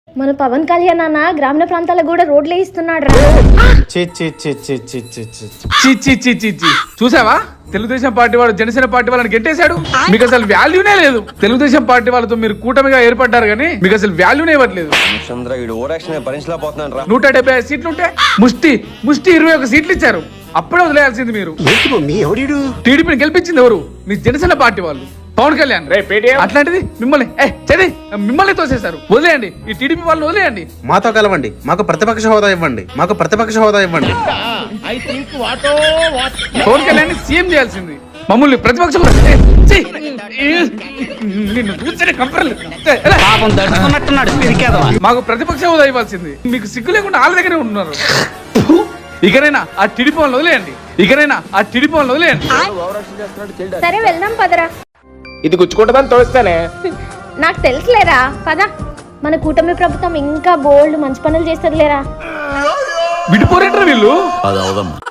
మన పవన్ కళ్యాణ్ అన్న గ్రామీణ ప్రాంతాలకు కూడా రోడ్లు వేయిస్తున్నాడు రా. చూసావా తెలుగుదేశం పార్టీ వాడు జనసేన పార్టీ వాళ్ళని గెట్టేశాడు. మీకు అసలు వాల్యూనే లేదు. తెలుగుదేశం పార్టీ వాళ్ళతో మీరు కూటమిగా ఏర్పడ్డారు కానీ మీకు అసలు వాల్యూనే ఇవ్వట్లేదు. 175 సీట్లుంటే ముష్టి 21 సీట్లు ఇచ్చారు. అప్పుడే వదిలేయాల్సింది మీరు. టీడీపీని గెలిపించింది ఎవరు? మీ జనసేన పార్టీ వాళ్ళు, పవన్ కళ్యాణ్. అట్లాంటిది మిమ్మల్ని తోసేశారు. వదిలేయండి, ఈ టీడీపీ వాళ్ళని వదిలేయండి. మాతో కలవండి, మాకు ప్రతిపక్ష హోదా ఇవ్వండి, మాకు ప్రతిపక్ష హోదా ఇవ్వండి. పవన్ కళ్యాణ్ సీఎం చేయాల్సింది, మమ్మల్ని ప్రతిపక్షం. మాకు ప్రతిపక్ష హోదా ఇవ్వాల్సింది. మీకు సిగ్గు లేకుండా వాళ్ళ దగ్గరే ఉంటున్నారు. ఇకనైనా ఆ టీడీపీ వాళ్ళని వదిలేయండి. సరే వెళ్దాం పదరా. ఇది గుచ్చుకుంటుందని తోస్తానే. నాకు తెలుసులేరా, పద. మన కూటమి ప్రభుత్వం ఇంకా బోల్డ్ మంచి పనులు చేస్తుంది లేరా. విడిపోరేంటారు వీళ్ళు.